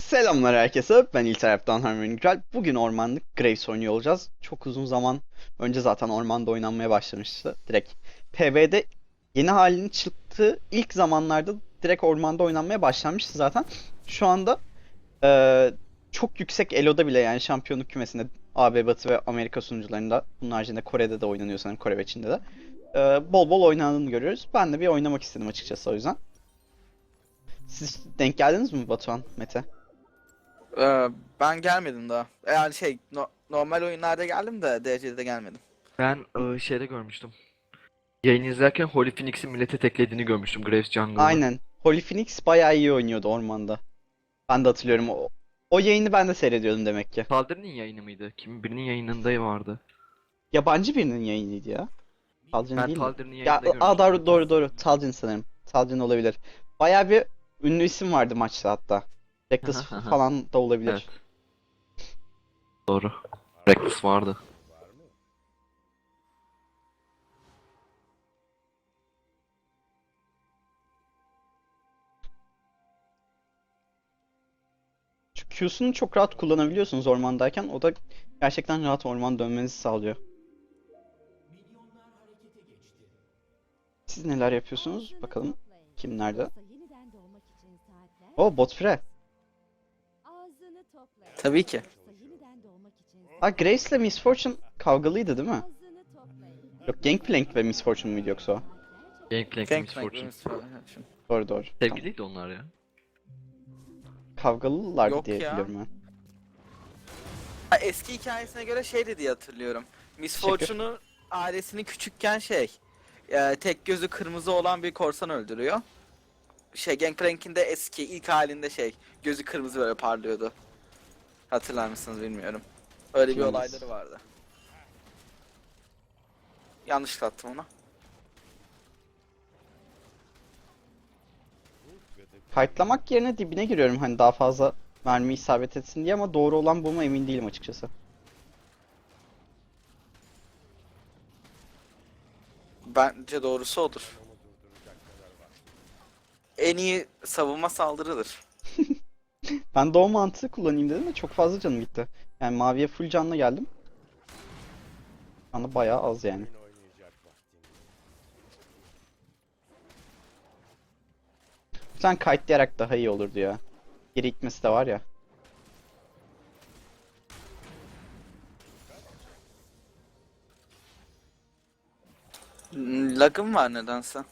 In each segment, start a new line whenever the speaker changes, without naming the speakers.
Selamlar herkese. Ben İlterap'tan Harmony Güzel. Bugün ormanlık Graves oynuyor olacağız. Çok uzun zaman önce zaten ormanda oynanmaya başlamıştı. Direkt PvE'de yeni halinin çıktığı ilk zamanlarda direkt ormanda oynanmaya başlanmıştı zaten. Şu anda çok yüksek Elo'da bile yani şampiyonluk kümesinde AB Batı ve Amerika sunucularında bunun haricinde Kore'de de oynanıyor sanırım, Kore ve Çin'de de. Bol bol oynandığını görüyoruz. Ben de bir oynamak istedim açıkçası o yüzden. Siz denk geldiniz mi Batuhan, Mete?
Ee, Ben gelmedim daha. Yani normal oyunlarda geldim de DC'de gelmedim.
Ben şeyde görmüştüm. Yayın izlerken Holy Phoenix'in millete teklediğini görmüştüm Graves Jungle'ı.
Aynen. Holy Phoenix bayağı iyi oynuyordu ormanda. Ben de hatırlıyorum. O yayını ben de seyrediyordum demek ki.
Taldir'in yayını mıydı? Kimin birinin yayınında vardı.
Yabancı birinin yayınıydı ya. Talcin
Ben
değil mi?
Taldir'in
Ya
yayında görmüştüm
doğru
zaten.
doğru doğru. Talcin sanırım. Talcin olabilir. Bayağı bir ünlü isim vardı maçta hatta. Reckless falan da
Evet,
olabilir.
doğru. Reckless vardı.
Çünkü Q'sunu çok rahat kullanabiliyorsunuz ormandayken. O da gerçekten rahat orman dönmenizi sağlıyor. Siz neler yapıyorsunuz? Bakalım kim nerede? O bot free.
Tabii ki.
Ha, Grace'le Miss Fortune kavgalıydı değil mi? Yok, Gangplank ve Miss Fortune muydu yoksa o?
Gangplank Miss
Gangplank
Fortune.
bölümümüz falan.
Doğru doğru. Tamam.
Sevgiliydi onlar ya.
Kavgalılardı
Yok
diye
ya.
biliyorum ben.
Ha, eski hikayesine göre şeydi diye hatırlıyorum. Miss
Teşekkür.
Fortune'u ailesini küçükken tek gözü kırmızı olan bir korsan öldürüyor. Gangplank'in de eski ilk halinde gözü kırmızı böyle parlıyordu. Hatırlar mısınız bilmiyorum. Öyle bir
Hatırlamaz.
olayları vardı. Yanlış attım ona.
Kayıtlamak yerine dibine giriyorum hani daha fazla mermi isabet etsin diye, ama doğru olan bu mu emin değilim açıkçası.
Bence doğrusu odur. En iyi savunma saldırıdır.
Ben de o mantığı kullanayım dedim de çok fazla canım gitti. Yani maviye full canla geldim. Şu anda bayağı az yani. Sen kayıtlayarak daha iyi olurdu ya. Geri gitmesi de var ya.
Lagım var nedense.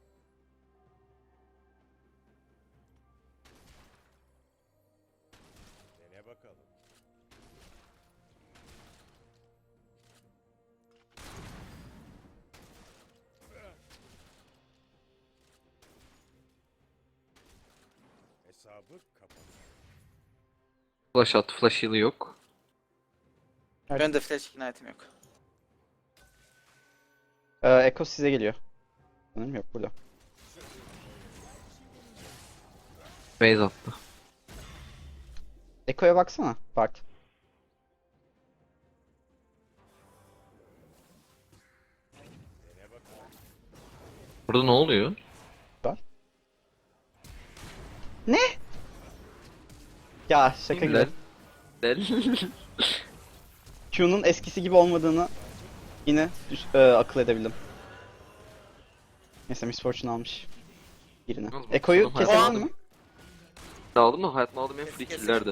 Hesabı kapat.
Flash attı, flash heal'ı yok.
Evet.
Benim de flash ignite'im yok.
Echo size geliyor. Sanırım yok burada.
Base attı.
Echo'ya baksana Bart.
Burada ne oluyor?
Bart. Ne? Ya şaka gibi.
Del. Del.
Q'nun eskisi gibi olmadığını yine akıl edebildim. Neyse, Miss Fortune almış birini.
Yalnız bu
Echo'yu
sonum hayatımda
keselim
aldım.
mi?
aldım da hayatımda aldığım en free
Kesin.
kill'lerdi.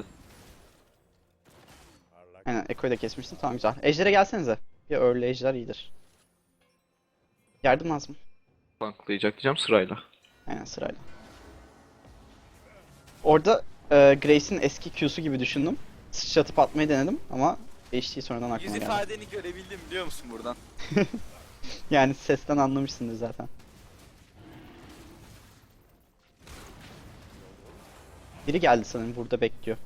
Aynen, Echo'yu da kesmiştim. Tamam, güzel. Ejder'e gelsenize. Bir early ejder iyidir. Yardım lazım.
Tanklayacak diyeceğim sırayla.
Aynen, sırayla. Orada Grace'in eski Q'su gibi düşündüm. Sıçratıp atmayı denedim ama değiştiği sonradan
Yüz
aklıma geldi.
ifadeni görebildim biliyor musun buradan?
Yani sesten anlamışsındır zaten. Biri geldi sanırım, burada bekliyor.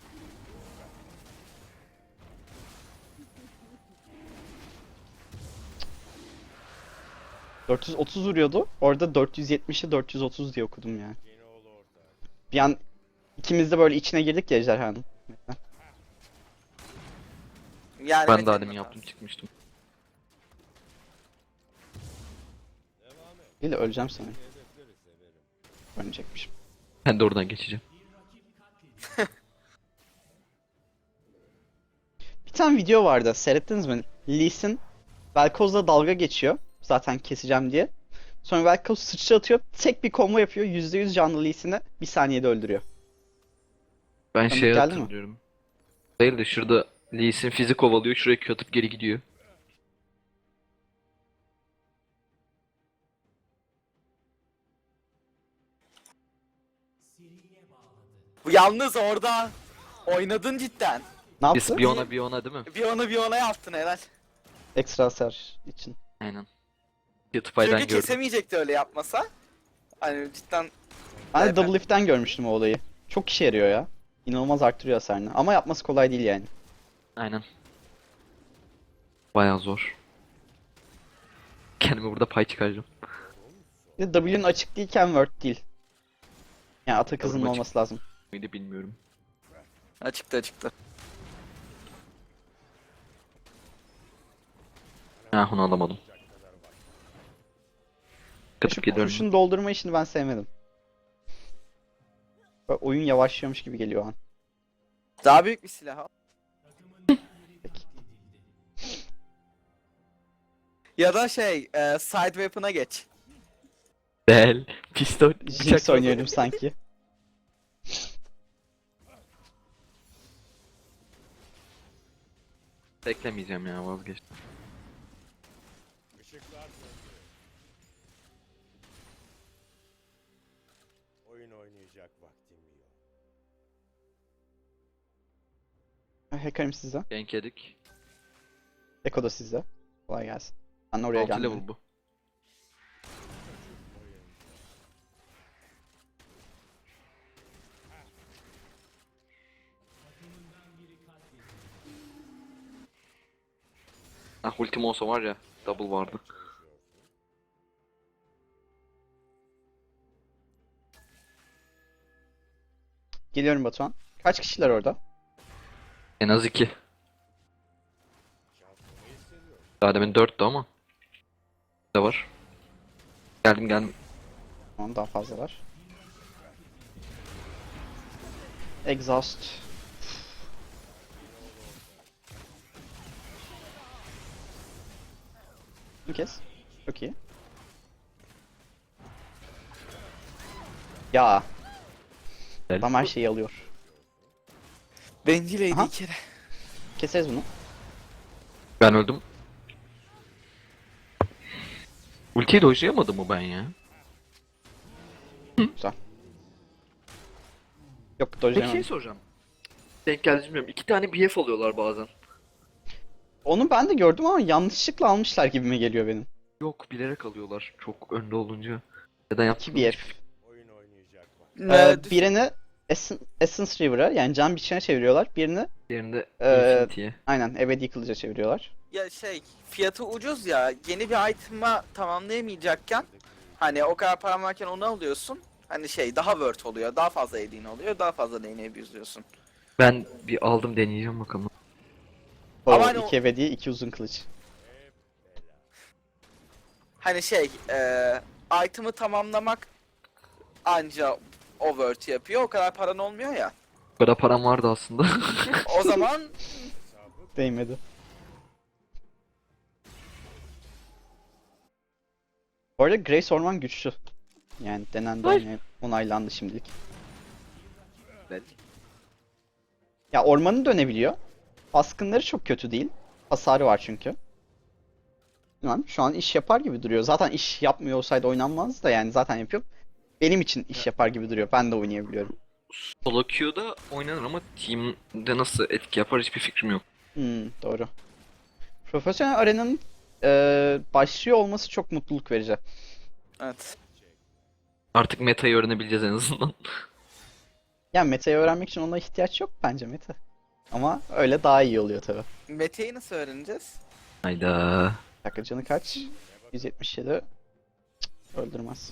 ...430 vuruyordu. Orada 470'i 430 diye okudum yani. Bir an ikimiz de böyle içine girdik ya ejderhanın.
Yani
Ben de
Mete'nin
demin yaptım
hatası.
çıkmıştım.
Değil de öleceğim sanırım. Ölecekmişim.
Ben de oradan geçeceğim.
tane video vardı. Seyrettiniz mi? Lee Sin Vel'Koz'la dalga geçiyor. Zaten keseceğim diye. Sonra Vel'Koz sıçra atıyor. Tek bir combo yapıyor. %100 canlı Lee Sin'i bir saniyede öldürüyor.
Ben
Tanıdık
şey
geldi mi?
hatırlıyorum. Değil de şurada Lee Sin fizik kovalıyor. Şuraya Q atıp geri gidiyor.
Bu yalnız orada oynadın cidden.
Ne
Biz
yaptı?
bir ona değil mi?
Bir ona yaptın helal.
Ekstra hasar için.
Aynen. YouTube'dan
Çünkü
gördüm.
kesemeyecekti öyle yapmasa. Hani cidden
Ben de
Evet.
Double Lift'ten görmüştüm o olayı. Çok işe yarıyor ya. İnanılmaz arttırıyor hasarını. Ama yapması kolay değil yani.
Aynen. Bayağı zor. Kendime burada pay çıkaracağım.
Bir de W'nin açık değilken word değil. Yani atak
W'nin
hızının
açık.
olması lazım.
Mıydı bilmiyorum.
açıktı.
Ha onu alamadım.
Şu
Katıp geliyorum.
kurşun doldurma işini ben sevmedim. Böyle oyun yavaşlıyormuş gibi geliyor o an.
Daha büyük bir silah al.
Peki.
Ya da side weapon'a geç.
Del. Pistol.
Jinx oynuyorum sanki.
Beklemeyeceğim ya vazgeçtim.
Işıklar söndü. Oyun oynayacak vaktim yok.
Hacker'im sizde.
Gank yedik.
Eko da sizde. Kolay gelsin. Ben oraya
6
geldim.
level bu. Ah ultim olsa var ya double vardı.
Geliyorum Batuhan. Kaç kişiler orada?
En az 2.
Şansımı hissediyorum.
Daha demin 4'tü ama. Ne var? Geldim.
Tamam daha fazla var. Exhaust. Bir kez. Çok iyi. Ya.
Gel.
Adam her şeyi alıyor.
Bencileydi
Aha.
bir kere.
Keseriz bunu.
Ben öldüm. Ultiyi dojlayamadım mı ben ya?
Güzel. Yok
Peki
dojlayamadım.
şey soracağım. Denk geldi bilmiyorum. 2 tane BF alıyorlar bazen.
Onu ben de gördüm ama yanlışlıkla almışlar gibime geliyor benim.
Yok bilerek alıyorlar çok önde olunca. Neden yaptıklarını
2 BF.
hiçbir fikrim
Oyun oynayacak vaktim.
Birini Essence River'a yani can biçene çeviriyorlar. Birini
yok. Yerinde
Ee,
Infinity'ye.
aynen ebedi kılıca çeviriyorlar.
Ya fiyatı ucuz ya. Yeni bir item'a tamamlayamayacakken hani o kadar param varken onu alıyorsun. Hani daha worth oluyor. Daha fazla yediğin oluyor. Daha fazla lane'e abuse'luyorsun.
Ben bir aldım deneyeceğim bakalım.
O
hani o-
2 ebedi 2 uzun kılıç.
Hani item'ı tamamlamak anca o worth yapıyor. O kadar paran olmuyor ya.
Bu kadar param vardı aslında.
O zaman
Değmedi. Bu arada Grace Orman güçlü. Yani denendi onaylandı şimdilik. Ya ormanı dönebiliyor. Baskınları çok kötü değil. Hasarı var çünkü. Bilmem, şu an iş yapar gibi duruyor. Zaten iş yapmıyor olsaydı oynanmaz da yani zaten yapıyor. Benim için iş yapar gibi duruyor. Ben de oynayabiliyorum.
Solo queue'da oynanır ama team'de nasıl etki yapar hiçbir fikrim yok.
Doğru. Profesyonel arenanın başlıyor olması çok mutluluk verici.
evet.
Artık meta'yı öğrenebileceğiz en azından.
Yani meta'yı öğrenmek için ona ihtiyaç yok bence meta. Ama öyle daha iyi oluyor tabii.
Mete'yi nasıl öğreneceğiz?
Hayda.
Bir dakika canı kaç? 177. Cık, öldürmez.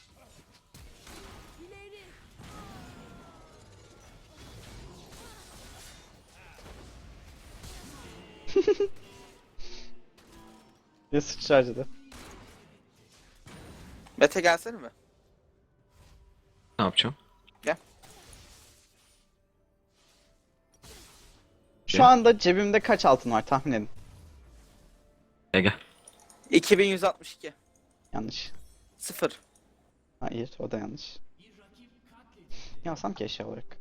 Bir sıçra harcadı.
Mete gelsene mi?
Ne yapacağım?
Şu anda cebimde kaç altın var tahmin edin.
Gel.
2162.
Yanlış.
0.
Hayır, o da yanlış. Yazsam ki eşya olarak.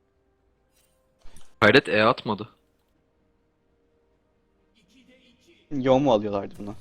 Hayret atmadı.
Yo mu alıyorlardı bunu?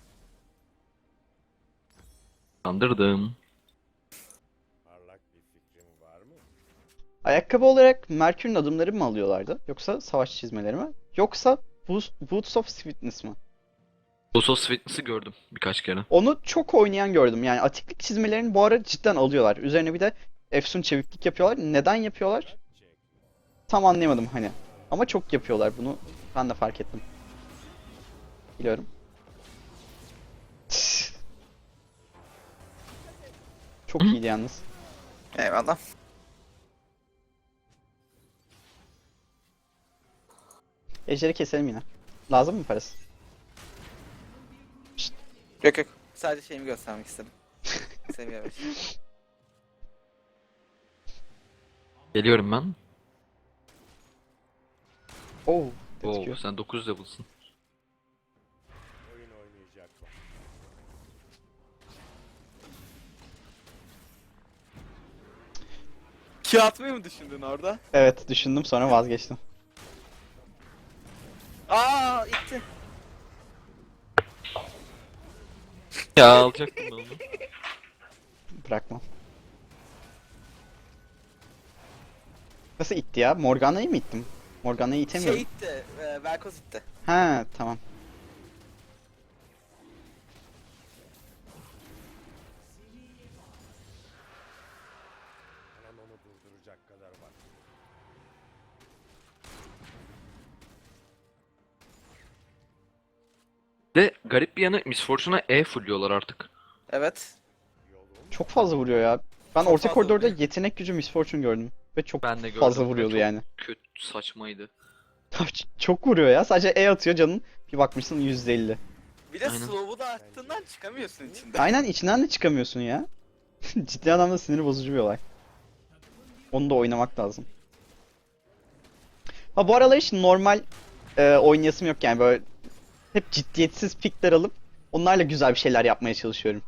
Kandırdım.
Parlak bir fikrin var mı?
Ayakkabı olarak Merkür'ün adımları mı alıyorlardı? Yoksa savaş çizmeleri mi? Yoksa Boots of Sweetness mı?
Usos Fitness'ı gördüm birkaç kere.
Onu çok oynayan gördüm. Yani atiklik çizmelerini bu ara cidden alıyorlar. Üzerine bir de efsun çeviklik yapıyorlar. Neden yapıyorlar? Tam anlayamadım hani. Ama çok yapıyorlar bunu. Ben de fark ettim. Biliyorum. Çok
Hı?
iyiydi yalnız.
Eyvallah.
Ejderi keselim yine. Lazım mı parası?
Yok yok. Sadece şeyimi göstermek istedim. Seviyorum.
Geliyorum ben.
Oo,
Oo,
gözüküyor.
sen 9 level'sın.
Oyun oynayacak vaktim.
Q atmayı mı düşündün orada?
Evet, düşündüm sonra vazgeçtim.
Aa itti.
Ya alacaktım ben onu.
Bırakmam. Nasıl itti ya? Morgana'yı mı ittim? Morgana'yı itemiyorum.
Şey itti. Velkoz itti.
Ha, tamam.
Hemen onu durduracak kadar var.
De garip bir yanı Miss Fortune'a fullüyorlar artık.
Evet.
Yolum
Çok fazla vuruyor ya. Ben
Çok
orta
fazla
koridorda
vuruyor.
yetenek gücü Miss Fortune gördüm. Ve çok
Ben de gördüm.
fazla
ve
vuruyordu
çok
yani.
Kötü, saçmaydı.
Çok vuruyor ya. Sadece E atıyor canın. Bir bakmışsın %50.
Bir de
Aynen.
slow'u da arttığından çıkamıyorsun içinde.
Aynen içinden de çıkamıyorsun ya. Ciddi anlamda sinir bozucu bir olay. Onu da oynamak lazım. Ha bu aralar hiç normal oynayasım yok yani böyle hep ciddiyetsiz pikler alıp onlarla güzel bir şeyler yapmaya çalışıyorum.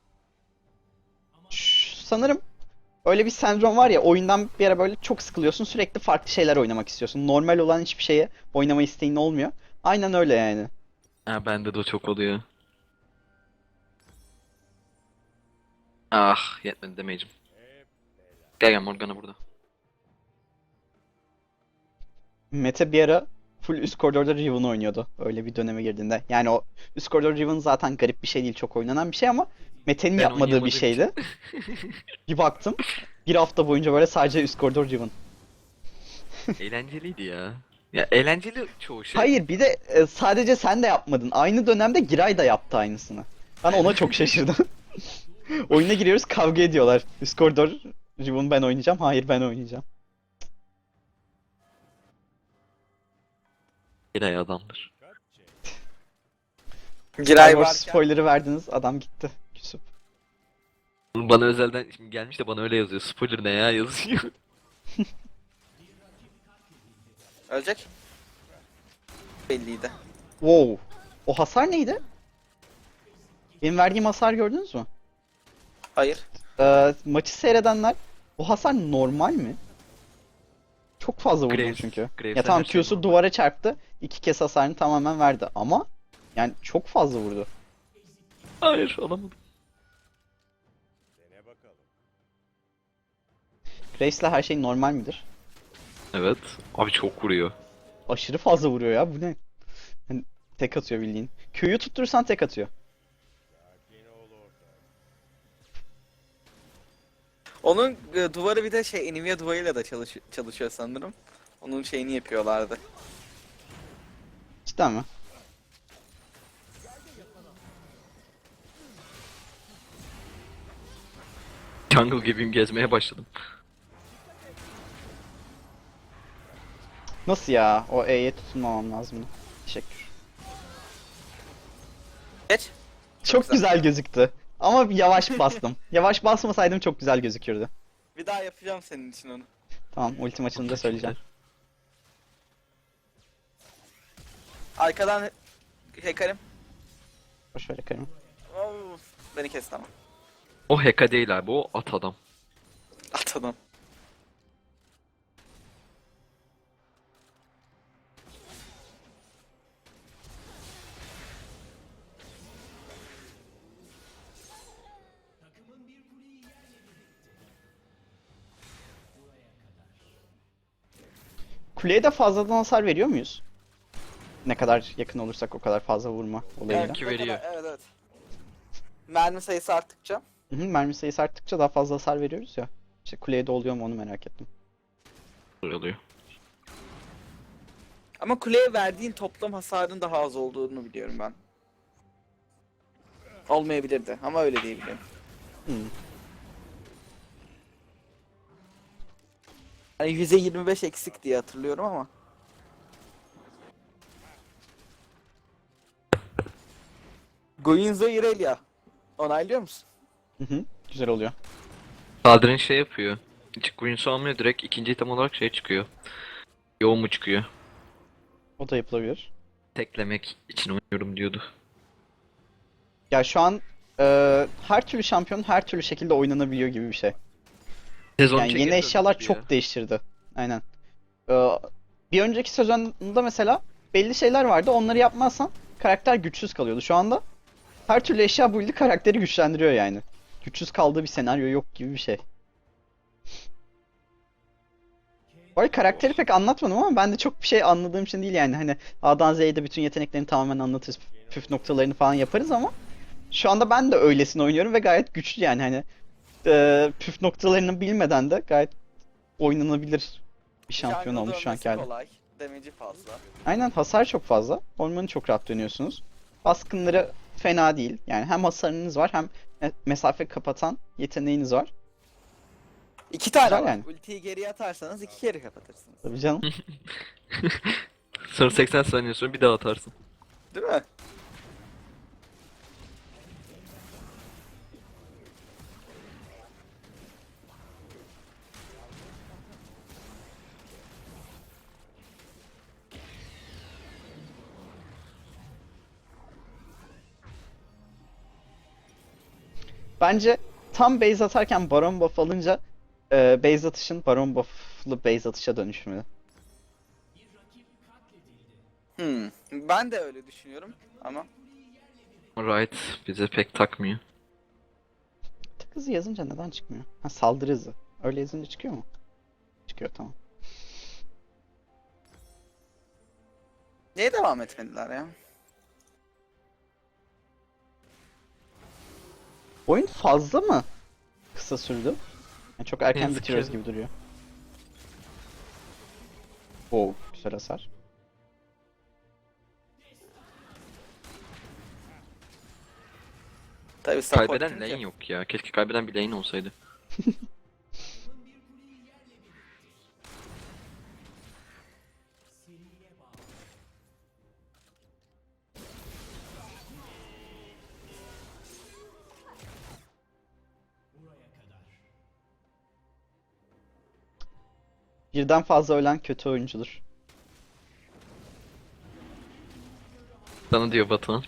Sanırım öyle bir sendrom var ya oyundan bir ara böyle çok sıkılıyorsun sürekli farklı şeyler oynamak istiyorsun. Normal olan hiçbir şeye oynama isteğin olmuyor. Aynen öyle yani.
Ha bende de o çok oluyor. Ah yetmedi damage'im. Gel Morgana burada.
Mete bir ara full üst koridorda Riven oynuyordu. Öyle bir döneme girdiğinde. Yani o üst koridor Riven zaten garip bir şey değil. Çok oynanan bir şey ama Mete'nin
Ben
yapmadığı bir
oynayamadığım
şeydi. Bir baktım. Bir hafta boyunca böyle sadece üst koridor Riven.
Eğlenceliydi ya. Ya eğlenceli çoğu şey.
Hayır bir de sadece sen de yapmadın. Aynı dönemde Giray da yaptı aynısını. Ben ona çok şaşırdım. Oyuna giriyoruz kavga ediyorlar. Üst koridor Riven ben oynayacağım. Hayır ben oynayacağım.
Giray adamdır.
Giray
Star Wars
varken.
spoiler'ı verdiniz. Adam gitti. Küsüp.
Bana özelden şimdi gelmiş de bana öyle yazıyor. Spoiler ne ya yazıyor.
Ölecek. Belliydi.
Wow. O hasar neydi? Benim verdiğim hasar gördünüz mü?
Hayır.
Maçı seyredenler bu hasar normal mi? Çok fazla vurdum
Graves-
çünkü.
Graves'ten
Ya tamam
her şey
Q'su
normal.
duvara çarptı. 2 kez hasarını tamamen verdi ama yani çok fazla vurdu.
Hayır alamadım.
dene bakalım.
Graves'le her şey normal midir?
Evet. Abi çok vuruyor.
Aşırı fazla vuruyor ya bu ne? Hani tek atıyor bildiğin. Q'yu tutturursan tek atıyor.
Sakin ol orada.
Onun duvarı bir de şey Nvidia duvarıyla da çalışıyor sanırım. Onun şeyini yapıyorlardı.
Cidden mi?
Jungle gibiyim gezmeye başladım.
Nasıl ya? O E'ye tutunmamam lazımdı. Teşekkür.
Geç.
Çok
güzel.
güzel gözüktü. Ama yavaş bastım. Yavaş basmasaydım çok güzel gözükürdü.
Bir daha yapacağım senin için onu.
Tamam ultim açılınca söyleyeceğim.
Arkadan Hekarim.
Boş ver Karim.
Oh, beni kesti ama.
O Heka değil abi, o at adam.
At adam.
Kuleye de fazladan hasar veriyor muyuz? Ne kadar yakın olursak o kadar fazla vurma olayıyla.
Evet. Ki
Ne
veriyor.
kadar- evet evet. Mermi sayısı arttıkça.
Hı hı, mermi sayısı arttıkça daha fazla hasar veriyoruz ya. İşte kuleye de oluyor mu onu merak ettim.
Oluyor.
Ama kuleye verdiğin toplam hasarın daha az olduğunu biliyorum ben. Olmayabilirdi ama öyle diyebilirim.
Hmm.
Hani %25 eksik diye hatırlıyorum ama. Guinzo Irelia. Onaylıyor musun?
Hı hı, güzel oluyor.
Sadrin şey yapıyor. Hiç Queen's almıyor, direkt ikinci item olarak şey çıkıyor. Yoğun mu çıkıyor?
O da yapılabilir.
Teklemek için oynuyorum diyordu.
Ya şu an her türlü şampiyon her türlü şekilde oynanabiliyor gibi bir şey.
Sezon
Yani yeni eşyalar çok değiştirdi. Aynen. Bir önceki sezonda mesela belli şeyler vardı. Onları yapmazsan karakter güçsüz kalıyordu. Şu anda her türlü eşya build'i karakteri güçlendiriyor yani. Güçsüz kaldığı bir senaryo yok gibi bir şey. Bu arada karakteri pek anlatmadım ama ben de çok bir şey anladığım için değil yani. Hani A'dan Z'ye de bütün yeteneklerini tamamen anlatırız. Püf noktalarını falan yaparız ama şu anda ben de öylesine oynuyorum ve gayet güçlü yani hani püf noktalarını bilmeden de gayet oynanabilir bir şampiyon
Jungle'da
olmuş şu anki
dönmesi
hali.
kolay. Damage'i fazla.
Aynen hasar çok fazla. Ormanı çok rahat dönüyorsunuz. Baskınları fena değil. Yani hem hasarınız var hem mesafe kapatan yeteneğiniz var.
2 tane
Güzel
var.
yani.
Ultiyi geriye atarsanız 2 kere kapatırsınız.
Tabii canım.
Sonra 80 saniye sonra bir daha atarsın.
Değil mi?
Bence tam base atarken Baron buff alınca base atışın Baron buff'lı base atışa dönüşmeli.
Ben de öyle düşünüyorum ama
Riot bize pek takmıyor.
Tık hızı yazınca neden çıkmıyor? Ha saldırı hızı. Öyle yazınca çıkıyor mu? Çıkıyor tamam.
niye devam etmediler ya?
Oyun fazla mı kısa sürdü? Yani çok erken
Yazık
bitiriyoruz
ya.
gibi duruyor. Oo, güzel hasar.
Tabii support
Kaybeden
kim
lane
ki?
yok ya. Keşke kaybeden bir lane olsaydı.
Birden fazla ölen kötü oyuncudur.
Sana diyor Batuhan.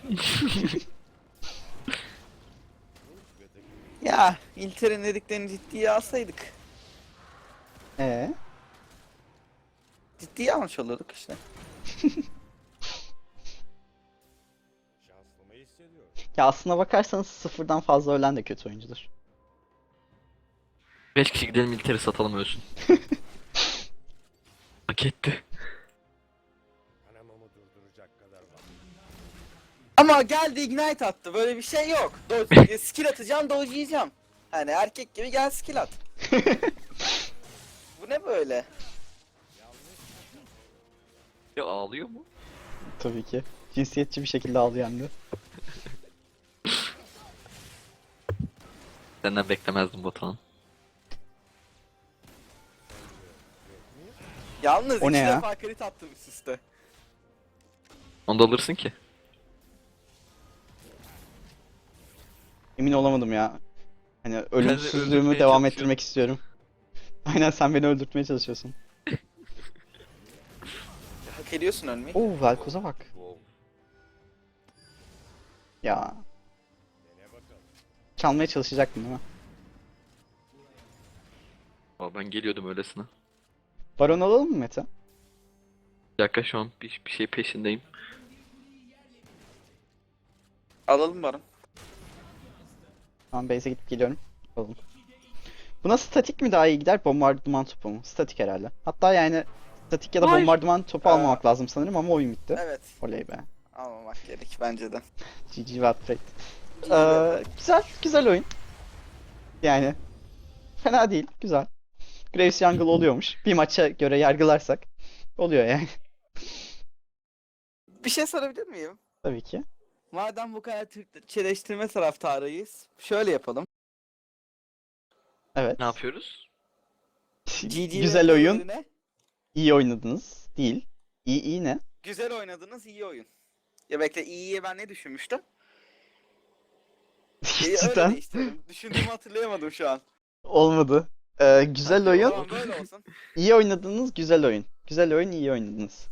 Ya İlter'in dediklerini ciddiye alsaydık.
Ee,
Ciddiye almış olurduk işte.
Şanslı mı hissediyorum?
ya aslına bakarsanız sıfırdan fazla ölen de kötü oyuncudur.
5 kişi gidelim militeri satalım ölsün. Hak etti.
Kanamamı durduracak kadar var.
Ama geldi ignite attı. Böyle bir şey yok. Dodge, skill atacağım, dodge'layacağım. Hani erkek gibi gel skill at. Bu ne böyle?
Ya ağlıyor mu?
Tabii ki. Cinsiyetçi bir şekilde ağlıyor hem de.
Senden beklemezdim Batuhan.
Yalnız
O
iki
ne ya?
defa crit attım üst üste.
Onu da alırsın ki.
Emin olamadım ya. Hani ölümsüzlüğümü
öldürmeye
devam
çalışıyorum.
ettirmek istiyorum. Aynen sen beni öldürtmeye çalışıyorsun.
Hak ediyorsun ölmeyi.
Oo Velkoz'a bak.
Wow.
Ya
Dene bakalım.
çalmaya çalışacaktım değil mi?
Aa, ben geliyordum öylesine.
Baron alalım mı Mete?
Bir dakika şu an bir şey peşindeyim.
Alalım Baron.
Tamam base'e gidip geliyorum. Alalım. Buna statik mi daha iyi gider, bombardıman topu mu? Statik herhalde. Hatta yani statik ya da
Hayır.
bombardıman topu almamak lazım sanırım ama oyun bitti.
Evet.
Oley be.
Almamak gerek bence de.
GG Wattpad.
Wattpad.
Güzel oyun. Yani fena değil, güzel. Graves Jungle oluyormuş. Bir maça göre yargılarsak oluyor yani.
Bir şey sorabilir miyim?
Tabii ki.
Madem bu kadar Türkçeleştirme taraftarıyız, şöyle yapalım.
Evet.
Ne yapıyoruz?
GG
Güzel oyun,
ne?
iyi oynadınız. Değil. İyi ne?
Güzel oynadınız, iyi oyun. Ya bekle, iyiye ben ne düşünmüştüm? Öyle
Cidden
değiştirelim. Düşündüğümü hatırlayamadım şu an.
olmadı. Güzel oyun,
Tamam böyle olsun.
iyi oynadınız, güzel oyun. Güzel oyun, iyi oynadınız.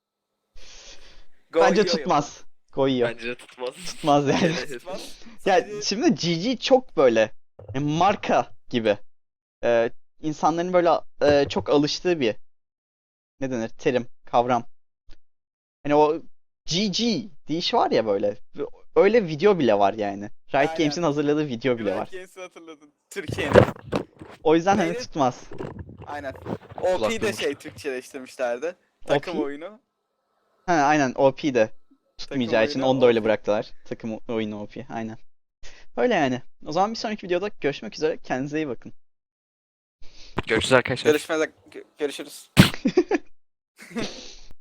Go
Bence
iyi oyun.
tutmaz. Goyuyor.
Bence de tutmaz.
Tutmaz yani.
Evet.
Tutmaz.
Ya
Sadece-
şimdi GG çok böyle marka gibi. İnsanların böyle çok alıştığı bir ne denir terim, kavram. Hani o GG deyişi var ya böyle. Öyle video bile var yani. Riot
Aynen.
Games'in hazırladığı video bile
Riot
var.
Games'i hatırladın. Türkiye'nin.
O yüzden hani
Neydi?
tutmaz.
Aynen. OP'yi de
Kulaklığımız.
Türkçeleştirmişlerdi. Takım
OP?
oyunu.
Ha aynen OP de tutmayacağı için
oyunu
onu da öyle
OP.
bıraktılar. Takım oyunu OP aynen. Öyle yani. O zaman bir sonraki videoda görüşmek üzere. Kendinize iyi bakın.
Görüşürüz arkadaşlar.
Görüşürüz.